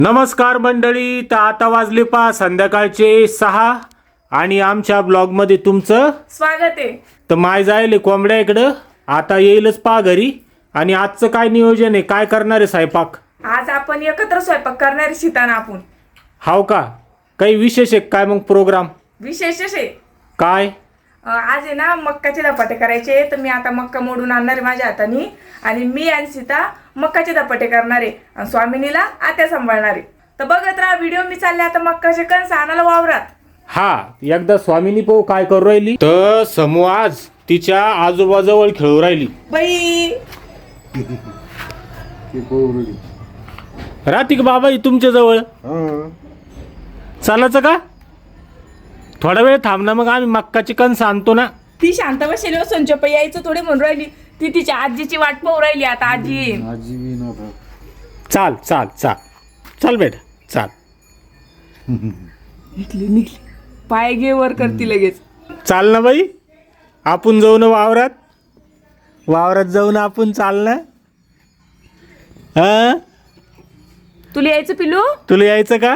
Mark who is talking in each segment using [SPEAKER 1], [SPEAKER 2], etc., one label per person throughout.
[SPEAKER 1] नमस्कार मंडळी, तर आता वाजले संध्याकाळचे 6 आणि आमच्या ब्लॉग मध्ये तुमचं
[SPEAKER 2] स्वागत आहे.
[SPEAKER 1] तर माय जायले कोंबड्या इकडं आता येईलच घरी. आणि आजचं काय नियोजन आहे, काय करणार आहे स्वयंपाक?
[SPEAKER 2] आज आपण एकत्र स्वयंपाक करणारे शिताना आपण.
[SPEAKER 1] हाव का? काही विशेष आहे काय मग प्रोग्राम?
[SPEAKER 2] विशेषच आहे.
[SPEAKER 1] काय?
[SPEAKER 2] आज आहे ना मक्काचे धपाटे करायचे. तर मी आता मक्का मोडून आणणार आहे माझ्या हाताने आणि मी आणि सीता मक्काचे धपाटे करणार आहे आणि स्वामिनीला आत्या सांभाळणार आहे. तर बघत राहा व्हिडिओ. मी चालले आता मक्काचे कणस आणायला वावरात.
[SPEAKER 1] हा, एकदा स्वामिनी पाहू काय करू राहिली. तर समूह आज तिच्या आजोबाजवळ खेळू राहिली.
[SPEAKER 2] बाई
[SPEAKER 1] राहते बाबा ही तुमच्या जवळ? चालायचं का? थोडा वेळ थांब ना, मग आम्ही मक्काची कणस आणतो ना.
[SPEAKER 2] ती शांत बसेल हो संचप यायचं थोडी म्हणून राहिली. ती तिच्या आजीची वाट पाहू राहिली. आता आजी येईल.
[SPEAKER 1] चाल चाल चाल चाल बेटा चाल.
[SPEAKER 2] निघली पाय घे वर करती लगेच.
[SPEAKER 1] चाल ना बाई, आपण जाऊ ना वावरात जाऊ ना आपण. चाल ना. हा,
[SPEAKER 2] तुला यायचं पिलू?
[SPEAKER 1] तुला यायचं का?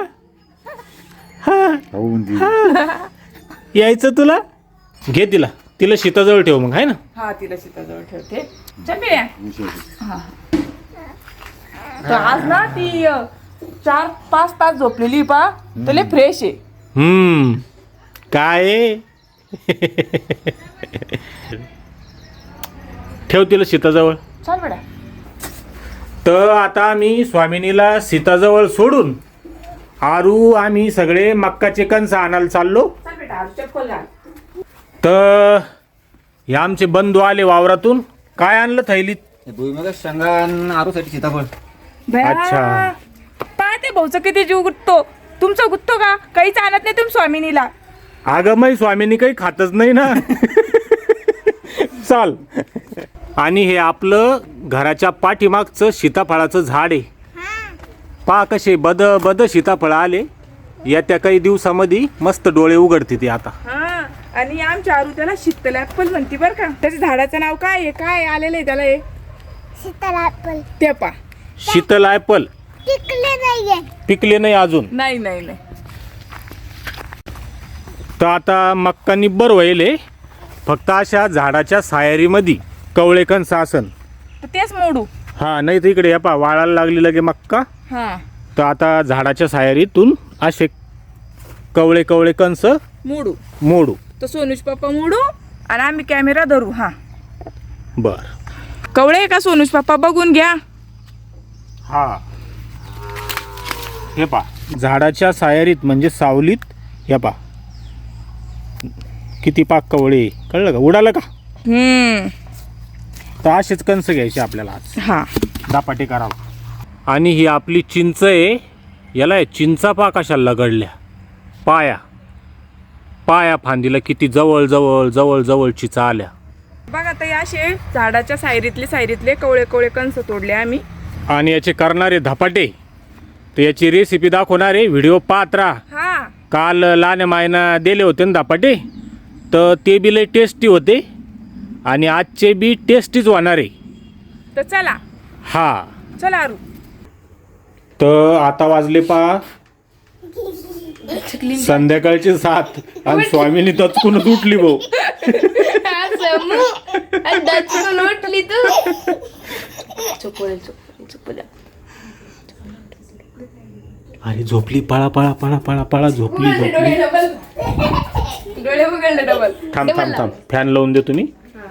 [SPEAKER 1] यायचं तुला? घे तिला शेताजवळ ठेव मग, आहे ना.
[SPEAKER 2] हा, तिला शेताजवळ ठेवते. चल हा. तर आज ना ती 4-5 तास झोपलेली पा. तुला फ्रेश आहे.
[SPEAKER 1] काय आहे? ठेव तिला शेताजवळ.
[SPEAKER 2] चल बेटा.
[SPEAKER 1] तर आता आम्ही स्वामिनीला सीताजवळ सोडून आरू आम्ही सगळे मक्काचे कणस आणायला चाललो.
[SPEAKER 2] चल बेटा, आज चप्पल घाल.
[SPEAKER 1] तर हे आमचे बंधू आले वावरातून. काय आणलं थैलीत?
[SPEAKER 3] भुईमुगाच्या शेंगा आणि आरूसाठी सीताफळ.
[SPEAKER 1] अच्छा.
[SPEAKER 2] पाहते भाऊचं किती जीव गुत्तो. तुमचं गुत्तो का? काहीच आणत नाही तुम्ही स्वामिनीला.
[SPEAKER 1] अगं मै स्वामिनी काही खातच नाही ना. चाल. आणि हे आपलं घराच्या पाठीमागचं सीताफळाचं झाड आहे. पहा कसे बद सीताफळ आले. येत्या काही दिवसामध्ये मस्त डोळे उघडते ते आता.
[SPEAKER 2] हा, आणि आमच्या आरू त्याला शीतल ऍपल म्हणते बर का. त्याच्या झाडाचं नाव काय आहे? काय आलेलं आहे त्याला? हे
[SPEAKER 4] शीतल ऍपल.
[SPEAKER 2] ते पा.
[SPEAKER 1] शीतल ऍपल पिकले नाही अजून.
[SPEAKER 2] नाही.
[SPEAKER 1] तर आता मक्का निब्बर व्हायले. फक्त अशा झाडाच्या सायरीमध्ये कवळे कणस आसन
[SPEAKER 2] तर तेच मोडू.
[SPEAKER 1] हा, नाही तर इकडे पा वाळायला लागली लगे मक्का.
[SPEAKER 2] हा,
[SPEAKER 1] तर आता झाडाच्या सायरीतून असे कवळे कणस मोडू.
[SPEAKER 2] तर सोनूज पप्पा मोडू आणि आम्ही कॅमेरा धरू. हा,
[SPEAKER 1] बर.
[SPEAKER 2] कवळे का सोनूज पप्पा बघून घ्या.
[SPEAKER 1] हा, हे पा झाडाच्या सायरीत म्हणजे सावलीत. हे पा किती पाक कवळे. कळलं का? उडालं का? तर असेच कणस घ्यायचे आपल्याला आज.
[SPEAKER 2] हा,
[SPEAKER 1] दापाटे करावं. आणि ही आपली चिंच आहे. याला चिंचा पा कशा लगडल्या. पाया फांदीला किती जवळ चिचा आल्या.
[SPEAKER 2] बघा ताई, असे झाडाच्या सायरीतले कवळे कंस तोडले आम्ही.
[SPEAKER 1] आणि याचे करणारे धपाटे, तर याची रेसिपी दाखवणार आहे. व्हिडिओ पाहत राहा.
[SPEAKER 2] हा,
[SPEAKER 1] काल लहान मायना दिले होते ना धपाटे, तर ते बी लय टेस्टी होते आणि आजचे बी टेस्टीच होणार आहे.
[SPEAKER 2] तर चला.
[SPEAKER 1] हा,
[SPEAKER 2] चला आरू.
[SPEAKER 1] तर आता वाजले संध्याकाळचे 7 आणि स्वामीनी तत्कूनच उठली भाऊ.
[SPEAKER 4] उठली तू.
[SPEAKER 1] अरे झोपली. पळा झोपली.
[SPEAKER 2] डोळे उघडले डबल.
[SPEAKER 1] थांब फॅन लावून दे तुम्ही.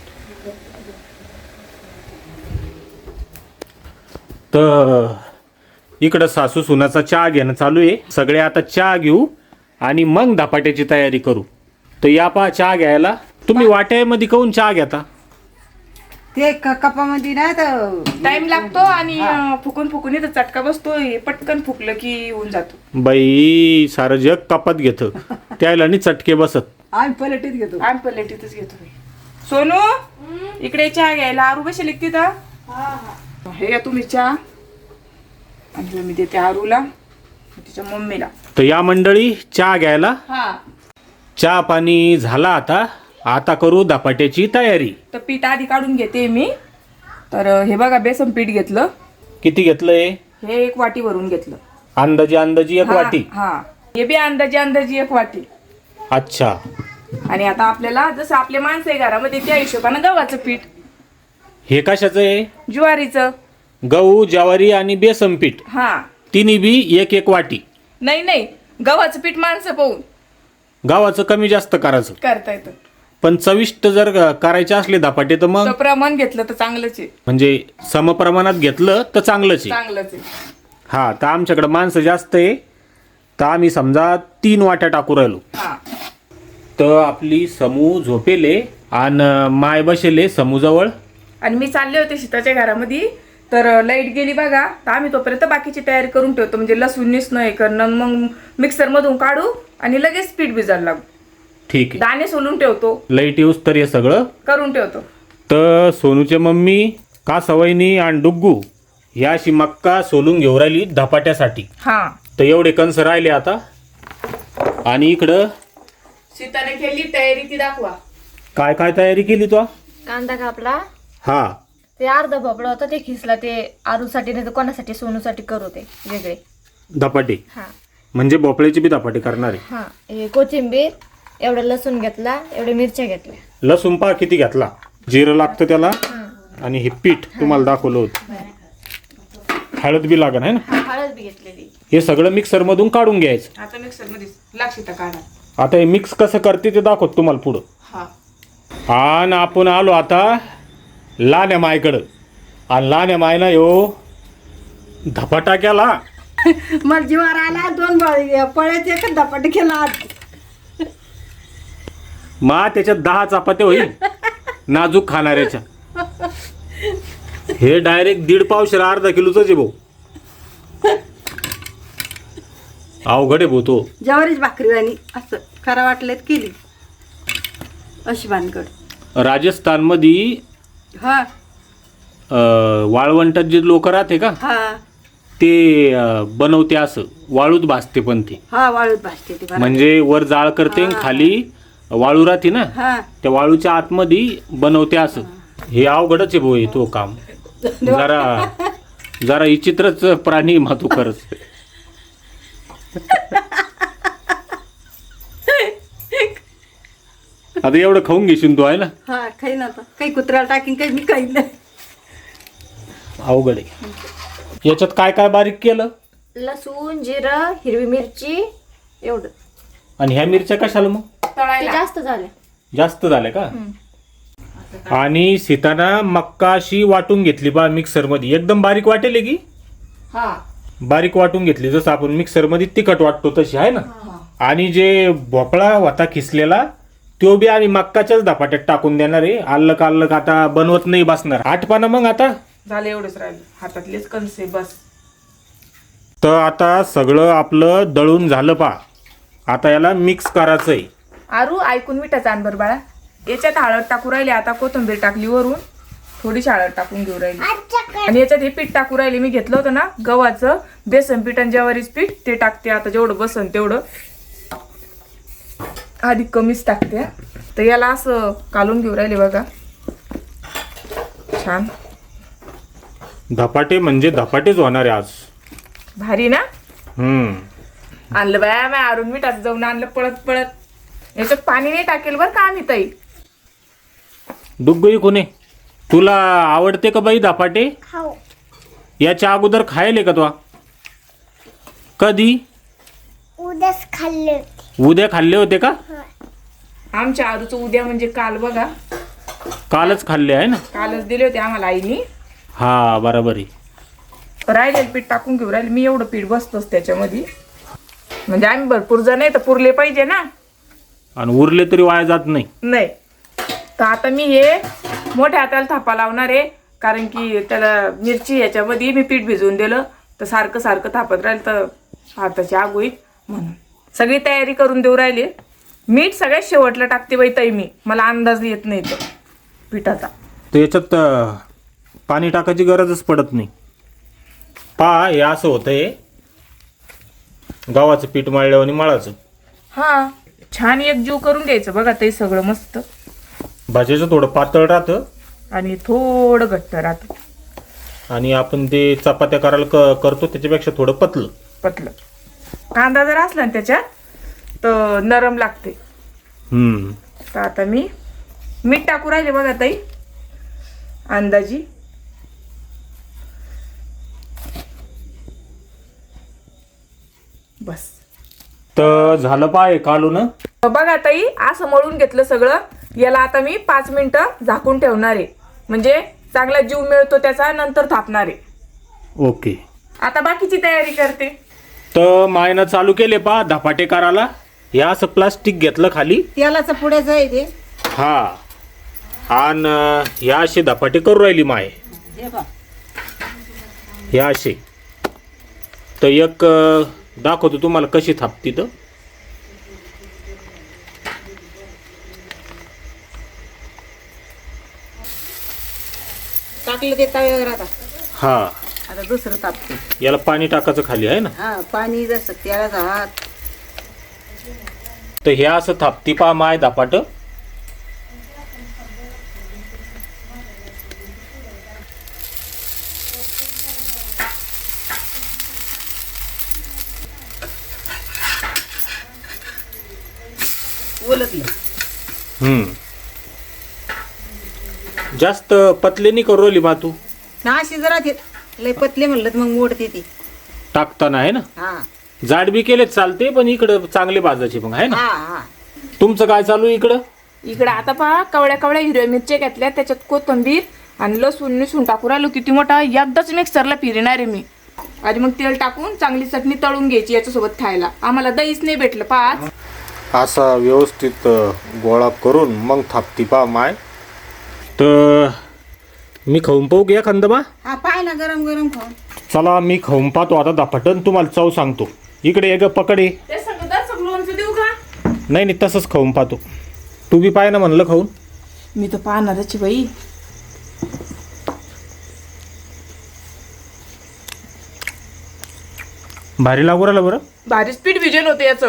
[SPEAKER 1] तर इकडं सासू सुनाचा चहा घेणं चालू आहे. सगळे आता चहा घेऊ आणि मग धपाट्याची तयारी करू. तर या पहा चहा घ्यायला. तुम्ही वाट्यामध्ये काऊन चहा घेता?
[SPEAKER 5] ते कपामध्ये ना तर
[SPEAKER 2] टाइम लागतो आणि फुकून इथं चटका बसतो. हे पटकन फुकलं की होऊन जातो.
[SPEAKER 1] बाई सारं जग कपात घेतं, त्याला नाही चटके बसत.
[SPEAKER 5] आम्ही पलटीत घेतो.
[SPEAKER 2] आम्ही प्लेटीतच घेतो. सोनू इकडे चहा घ्यायला. आरू बसेल तिथं. हे घ्या तुम्ही चहा. आणि मी देते आरूला, तिच्या मम्मीला.
[SPEAKER 1] तर या मंडळी चहा घ्यायला.
[SPEAKER 2] हा,
[SPEAKER 1] चहा पाणी झाला आता करू धपाट्याची तयारी.
[SPEAKER 2] तर पीठ आधी काढून घेते मी. तर हे बघा बेसन पीठ घेतलं.
[SPEAKER 1] किती घेतलंय?
[SPEAKER 2] हे 1 वाटी भरून घेतलं.
[SPEAKER 1] अंदाजी एक वाटी.
[SPEAKER 2] हा हे बी अंदाजी एक वाटी.
[SPEAKER 1] अच्छा.
[SPEAKER 2] आणि आता आपल्याला जसं आपले माणसं आहे घरामध्ये त्या हिशोबानं गव्हाचं पीठ,
[SPEAKER 1] हे कशाचं आहे?
[SPEAKER 2] ज्वारीचं.
[SPEAKER 1] गहू, ज्वारी आणि बेसन पीठ
[SPEAKER 2] हा
[SPEAKER 1] तिन्ही बी एक वाटी.
[SPEAKER 2] नाही गव्हाचं पीठ माणसं पाहून
[SPEAKER 1] गव्हाचं कमी जास्त करायचं.
[SPEAKER 2] करता येतं.
[SPEAKER 1] पण चविष्ट जर करायचे असले धपाटे तर मग
[SPEAKER 2] तर प्रमाण घेतलं तर चांगलंच आहे.
[SPEAKER 1] म्हणजे समप्रमाणात घेतलं तर चांगलंच आहे.
[SPEAKER 2] चांगलंच आहे.
[SPEAKER 1] हा, तर आमच्याकडे माणसं जास्त आहे तर आम्ही समजा 3 वाट्या टाकू राहिलो.
[SPEAKER 2] हा
[SPEAKER 1] तर आपली समू झोपेले आणि माय बसेले समूजवळ.
[SPEAKER 2] आणि मी चालले होते शीताच्या घरामध्ये, तर लाईट गेली बघा. तर आम्ही तोपर्यंत बाकीची तयारी करून ठेवतो, म्हणजे लसूण निसणं हे करणं, मग मिक्सर मधून काढू आणि लगेच पीठ भिजायला लागू.
[SPEAKER 1] ठीक आहे.
[SPEAKER 2] दाणे सोलून ठेवतो,
[SPEAKER 1] लाईट येऊस तर हे सगळं
[SPEAKER 2] करून ठेवतो.
[SPEAKER 1] तर सोनूचे मम्मी का सवयनी आणि डुग्गू ह्या अशी मक्का सोलून घेऊन राहिली धपाट्यासाठी.
[SPEAKER 2] हा
[SPEAKER 1] तर एवढे कंस राहिले आता. आणि इकडं
[SPEAKER 2] शीताने केली तयारी ती दाखवा.
[SPEAKER 1] काय काय तयारी केली तू?
[SPEAKER 4] कांदा कापला,
[SPEAKER 1] हा,
[SPEAKER 4] ते अर्ध भोपळा होता ते खिसला, ते आरूसाठी नाही तर कोणासाठी सोनूसाठी करू ते वेगळे.
[SPEAKER 1] धपाटे
[SPEAKER 4] हा
[SPEAKER 1] म्हणजे भोपळ्याची बी धपाटे करणार आहे.
[SPEAKER 4] हा हे कोथिंबीर, एवढं लसूण घेतला, एवढे मिरच्या घेतल्या.
[SPEAKER 1] लसूण पहा किती घेतला, जिरं लागतं त्याला. आणि हे पीठ तुम्हाला दाखवलं होतं. हळद बी लागण आहे ना.
[SPEAKER 4] हळद बी घेतलेली.
[SPEAKER 1] हे सगळं मिक्सर मधून काढून घ्यायचं.
[SPEAKER 2] आता मिक्सर मध्ये लागशीता काढा.
[SPEAKER 1] आता हे मिक्स कसं करते ते दाखवत तुम्हाला पुढं.
[SPEAKER 2] हा
[SPEAKER 1] आणि आपण आलो आता लाण्या मायकडं. आणि लाण्या मायना यो धपाटा केला.
[SPEAKER 5] मला जीवावर आला 2 पळ्यात एकच धपाटे केला आज.
[SPEAKER 1] मा त्याच्यात 10 चपात्या होईल नाजूक खाणाऱ्याच्या. हे डायरेक्ट 1.5 पावशेर अर्धा किलोच आहे भाऊ. अवघड आहे भाऊ तो.
[SPEAKER 5] ज्वारीच भाकरी आणि असं खरं वाटलं केली अशी भानगड.
[SPEAKER 1] राजस्थानमध्ये
[SPEAKER 5] हा
[SPEAKER 1] वाळवंटात जे लोक राहते का
[SPEAKER 5] हा
[SPEAKER 1] ते बनवते असं वाळूत भाजते. पण ते
[SPEAKER 5] हा वाळूत भाजते ती बरं.
[SPEAKER 1] म्हणजे वर जाळ करते आणि खाली वाळू राहते ना,
[SPEAKER 5] हा
[SPEAKER 1] त्या वाळूच्या आतमध्ये बनवते असं. हे अवघडच आहे भाऊ हे तो काम. जरा विचित्रच प्राणी मातू खरंच. आता एवढं खाऊन घेशील तू आहे ना.
[SPEAKER 5] हा काही नव्हतं, काही कुत्र्याला टाकीन, काही मी काही नाही.
[SPEAKER 1] अवघड आहे. याच्यात काय काय बारीक केलं?
[SPEAKER 4] लसूण, जिरं, हिरवी मिरची एवढं.
[SPEAKER 1] आणि ह्या मिरच्या कशाला मग?
[SPEAKER 4] ते
[SPEAKER 2] तळायला.
[SPEAKER 4] जास्त झाले.
[SPEAKER 1] जास्त झाल्या का? आणि सीताना मक्का अशी वाटून घेतली बा मिक्सर मध्ये. एकदम बारीक वाटेल की
[SPEAKER 2] हा
[SPEAKER 1] बारीक वाटून घेतली जसं आपण मिक्सर मध्ये तिखट वाटतो तशी आहे ना. आणि जे भोपळा होता खिसलेला तो बी आणि मक्काच्याच धपाट्यात टाकून देणार आहे. आल्लक आता बनवत नाही बसणार. आठपाना मग आता
[SPEAKER 2] झालं, एवढंच राहिलं. हातातलेच कणसे बस.
[SPEAKER 1] तर आता सगळं आपलं दळून झालं पा. आता याला मिक्स करायचंय.
[SPEAKER 2] आरू ऐकून मिठाचा आण बरं बाळा. याच्यात हळद टाकू राहिली, आता कोथिंबीर टाकली वरून, थोडीशी हळद टाकून घेऊ राहिली. आणि याच्यात हे पीठ टाकू राहिले. मी घेतलं होतं ना गव्हाचं बेसन पीठ आणि ज्वारीच पीठ, ते टाकते आता. जेवढं बसन तेवढं, आधी कमीच टाकते. तर याला असं कालून घेऊ राहिले बघा. छान
[SPEAKER 1] धपाटे म्हणजे धपाटेच होणार आहे आज.
[SPEAKER 2] भारी ना.
[SPEAKER 1] हम्म.
[SPEAKER 2] आणलं बाया मी आरून मिठाचं जाऊन आणलं पळत पळत. याच्यात पाणी नाही टाकेल बरं का आम्ही ताई.
[SPEAKER 1] डुग्गई कोणे तुला आवडते का बाई धपाटे?
[SPEAKER 4] हो.
[SPEAKER 1] याच्या अगोदर खायले का तू? कधी?
[SPEAKER 4] उद्याच खाल्ले.
[SPEAKER 1] उद्या खाल्ले होते का?
[SPEAKER 2] आमच्या आरूचं उद्या म्हणजे काल बघा.
[SPEAKER 1] कालच खाल्ले आहे ना.
[SPEAKER 2] कालच दिले होते आम्हाला आईनी.
[SPEAKER 1] हा बरोबर आहे.
[SPEAKER 2] राहिलेलं पीठ टाकून घेऊ राहिले. मी एवढं पीठ बसतोच त्याच्यामध्ये, म्हणजे आम्ही भरपूर जण आहे तर पुरले पाहिजे ना.
[SPEAKER 1] आणि उरले तरी वाया जात नाही.
[SPEAKER 2] नाही तर आता मी हे मोठ्या हाताला थापा लावणार आहे, कारण की त्याला मिरची याच्यामध्ये मी पीठ भिजवून दिलं तर सारखं सारखं थापत राहील तर हाताची आग होईल. म्हणून सगळी तयारी करून देऊ राहिली. मीठ सगळ्यात शेवटला टाकते बाई ताई मी, मला अंदाज येत नाही तो पिठाचा.
[SPEAKER 1] तर याच्यात पाणी टाकायची गरजच पडत नाही. पहा हे असं होतंय गव्हाचं पीठ मळल्यावर आणि मळाचं.
[SPEAKER 2] हा छान एक जीव करून घ्यायचं बघा ते सगळं मस्त.
[SPEAKER 1] भाजीचं थोडं पातळ राहतं
[SPEAKER 2] आणि थोडं घट्ट राहतं.
[SPEAKER 1] आणि आपण ते चपात्या करायला करतो त्याच्यापेक्षा थोडं पतलं.
[SPEAKER 2] पतलं. कांदा जर असला ना त्याच्यात तर नरम लागते. तर आता मी मीठ टाकू राहिले बघा ताई, अंदाजी. बस.
[SPEAKER 1] तर झालं पाय कालून.
[SPEAKER 2] बघा ताई, असं मळून घेतलं सगळं. याला आता मी 5 मिनिटं झाकून ठेवणार आहे, म्हणजे चांगला जीव मिळतो त्याचा, नंतर थापणार आहे.
[SPEAKER 1] ओके.
[SPEAKER 2] आता बाकीची तयारी करते.
[SPEAKER 1] तर मायनं चालू केले पा धपाटे करायला. हे असं प्लास्टिक घेतलं खाली.
[SPEAKER 5] तेलाचं पुढेच आहे ते.
[SPEAKER 1] हा, आणि ह्या असे धपाटे करू राहिली माय.
[SPEAKER 5] हे बघ.
[SPEAKER 1] हे असे. तर एक दाखवतो तुम्हाला कशी थापती. तर
[SPEAKER 5] टाकलं ते तव्यावर आता.
[SPEAKER 1] हा,
[SPEAKER 5] आता दुसरं तापते.
[SPEAKER 1] याला पाणी टाकायचं खाली आहे ना.
[SPEAKER 5] हा, पाणी जसं तेलाचा हात.
[SPEAKER 1] तर हे असं थापती पा माय धपाट.
[SPEAKER 5] उलटलं.
[SPEAKER 1] जास्त पतले नाही करू राहिली मा तू.
[SPEAKER 5] ना अशी जरा ते लय पतले म्हणलं तर मग मोडते ती.
[SPEAKER 1] टाकताना आहे ना.
[SPEAKER 5] हा
[SPEAKER 1] जाड बी केले चालते, पण इकडं चांगले भाजायचे मग आहे ना.
[SPEAKER 5] हा हा.
[SPEAKER 1] तुमचं काय चालू आहे इकडं?
[SPEAKER 2] इकडे आता पहा कवड्या कवड्या हिरव्या मिरच्या घेतल्या, त्याच्यात कोथिंबीर आणि लसूण टाकून राहिलो. किती मोठा, एकदाच मिक्सरला फिरणार आहे मी. आणि मग तेल टाकून चांगली चटणी तळून घ्यायची याच्यासोबत खायला. आम्हाला दहीच नाही भेटलं पहा आज.
[SPEAKER 1] असा व्यवस्थित गोळा करून मग थापती पा माय. तर मी खाऊन पाहू घ्या खंदबा.
[SPEAKER 5] हा, पाय ना गरम गरम खाऊन.
[SPEAKER 1] चला मी खाऊन पाहतो आता धपाटन, तुम्हाला चव सांगतो. इकडे एक पकडे.
[SPEAKER 2] ते सगळं लोणचं देऊ का?
[SPEAKER 1] नाही नाही, तसंच खाऊन पाहतो. तू बी पाय ना म्हणलं खाऊन.
[SPEAKER 2] मी तर पाहणारच बाई.
[SPEAKER 1] भारी लागू राहिलं बरं.
[SPEAKER 2] भारी स्पीड विजन होते याचं.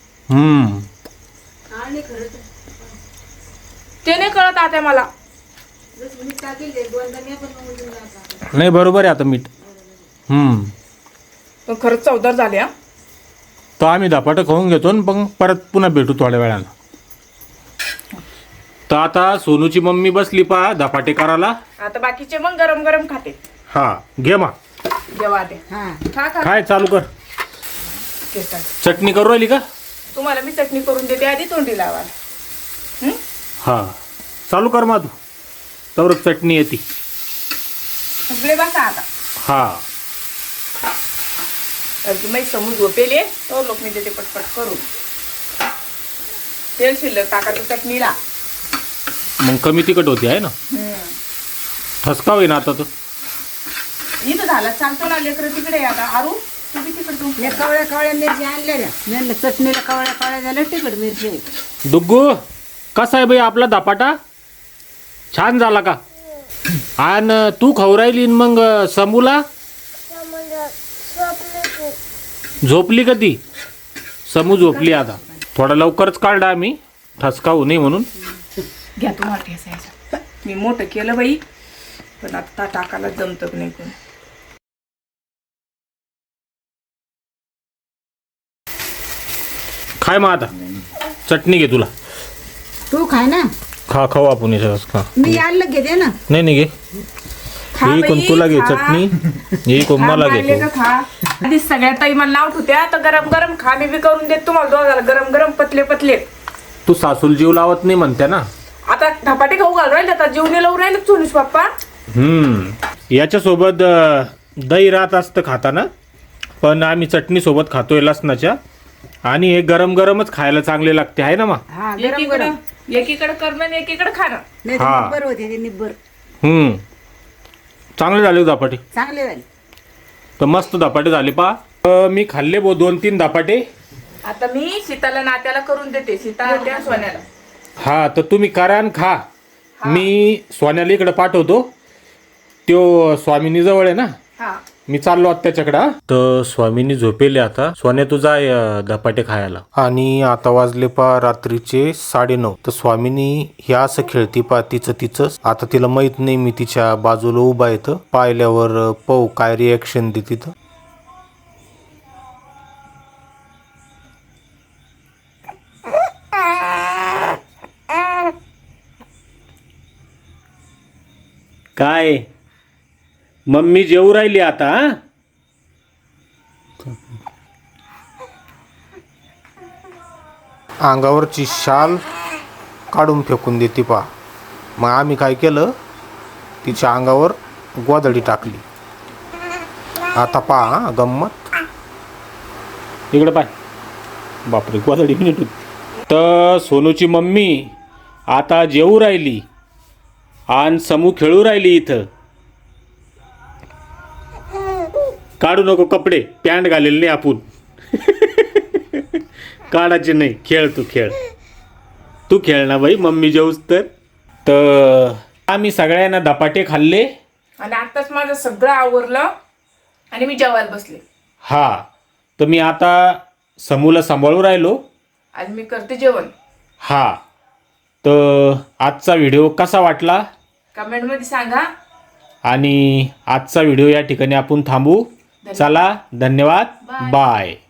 [SPEAKER 2] ते नाही कळत आता मला.
[SPEAKER 1] नाही बरोबर आहे आता मीठ.
[SPEAKER 2] पण खरंच चवदार झाले हा.
[SPEAKER 1] तर आम्ही धपाटं खाऊन घेतो आणि मग परत पुन्हा भेटू थोड्या वेळानं. तर आता सोनूची मम्मी बसली पा धपाटे करायला.
[SPEAKER 2] आता बाकीचे मग गरम गरम खाते.
[SPEAKER 1] हा घे मा.
[SPEAKER 2] जेव्हा ते
[SPEAKER 5] हा.
[SPEAKER 2] खा खा.
[SPEAKER 1] काय चालू कर.
[SPEAKER 2] केसात.
[SPEAKER 1] चटणी करू राहिली का?
[SPEAKER 2] तुम्हाला मी चटणी करून देते, आधी तोंडी लावा.
[SPEAKER 1] हा चालू कर मा तू. तर चटणी येते.
[SPEAKER 2] सगळे बसा आता.
[SPEAKER 1] हा.
[SPEAKER 2] तुम्ही समूज झोपेले तो लोक मी देते पटपट करून. तेल शिल्लक टाकायचं चटणीला.
[SPEAKER 1] मग कमी तिखट होती आहे ना. ठसका होईना आता तर.
[SPEAKER 2] इथं झाला चालतो ना लेकरं तिकडे. आता आरू तुम्ही तिकडे
[SPEAKER 5] या कवळ्या कवळ्या मिरच्या आणलेल्या. म्हणलं चटणीला कवळ्या कवळ्या झाल्या तिखट मिरची आहे.
[SPEAKER 1] दुग्गू कसा आहे बाई आपला धपाटा? छान झाला का? आणि तू खाऊ राहिली मग समूला झोपली का ती? समू झोपली आता. थोडा लवकरच काढला आम्ही, ठसका होऊ नये म्हणून.
[SPEAKER 2] घ्या तुम्हाला ठेसायचं. मी मोठं केलं बाई, पण आता टाकायला जमत नाही कोण.
[SPEAKER 1] खाय मग आता. चटणी घे तुला.
[SPEAKER 5] तू खाय ना.
[SPEAKER 1] खा खाऊ आपण याच्यावर खा.
[SPEAKER 5] मी आणलं घेते ना.
[SPEAKER 1] नाही नाही घे.
[SPEAKER 2] खा
[SPEAKER 1] ही कोण
[SPEAKER 2] बाई,
[SPEAKER 1] तुला घे
[SPEAKER 2] खा.
[SPEAKER 1] चटणी. ही कोण
[SPEAKER 2] खा
[SPEAKER 1] मला
[SPEAKER 2] मारले
[SPEAKER 1] घे.
[SPEAKER 2] का खा. आधी सगळ्या ताई मला नाव ठेवत्या, तर गरम गरम खा. मी बी करून देत तुम्हाला दोघाला गरम गरम पतले पतले.
[SPEAKER 1] तू सासूल जीव लावत नाही म्हणते ना.
[SPEAKER 2] आता धपाटे खाऊ घाल राहिले, आता जेवणे लावून राहिले सोनूश पप्पा.
[SPEAKER 1] याच्यासोबत दही राहत असतं खाताना, पण आम्ही चटणी सोबत खातोय लसणाच्या. आणि हे गरम गरमच खायला चांगले लागते आहे ना मग.
[SPEAKER 5] हा, गरम गरम.
[SPEAKER 2] एकीकडे करणं आणि एकीकडे खाणं.
[SPEAKER 5] नाही
[SPEAKER 1] हा.
[SPEAKER 5] निब्बर होते ते निब्बर.
[SPEAKER 1] चांगले झाले धपाटे.
[SPEAKER 5] चांगले झाले.
[SPEAKER 1] तर मस्त धपाटे झाले पा. मी खाल्ले 2-3 धपाटे.
[SPEAKER 2] आता मी सीताला नात्याला करून देते. सीता त्या सोन्याला.
[SPEAKER 1] हा तर तुम्ही करा आणि खा. मी सोन्याला इकडे पाठवतो. तो स्वामिनी जवळ आहे ना.
[SPEAKER 2] हा
[SPEAKER 1] मी चाललो आता त्याच्याकडे. तर स्वामीनी झोपेले आता. सोन्या तू जाय धपाटे खायला. आणि आता वाजले पा रात्रीचे 9:30. तर स्वामीनी ह्या असं खेळती पा तिचं. आता तिला माहित नाही मी तिच्या बाजूला उभा येतं. पाहिल्यावर पाहू काय रिॲक्शन देते. काय मम्मी जेवू राहिली आता हा? अंगावरची शाल काढून फेकून देते पा. मग आम्ही काय केलं, तिच्या अंगावर गोधडी टाकली. आता पहा गंमत. इकडे पाय. बापरे गोधडी मिनिट. तर सोनूची मम्मी आता जेवू राहिली आणि समू खेळू राहिली इथं. काढू नको कपडे, पॅन्ट घालेले नाही आपण. काढायचे नाही, खेळ तू खेळ. तू खेळ ना बाई, मम्मी जेऊस तर आम्ही सगळ्यांना धपाटे खाल्ले
[SPEAKER 2] आणि आताच माझं सगळं आवरलं आणि मी जेवायला बसले.
[SPEAKER 1] हा, तर मी आता समूला सांभाळू राहिलो
[SPEAKER 2] आणि मी करते जेवण.
[SPEAKER 1] हा, तर आजचा व्हिडिओ कसा वाटला
[SPEAKER 2] कमेंटमध्ये सांगा.
[SPEAKER 1] आणि आजचा व्हिडिओ या ठिकाणी आपण थांबू. चला, धन्यवाद, बाय.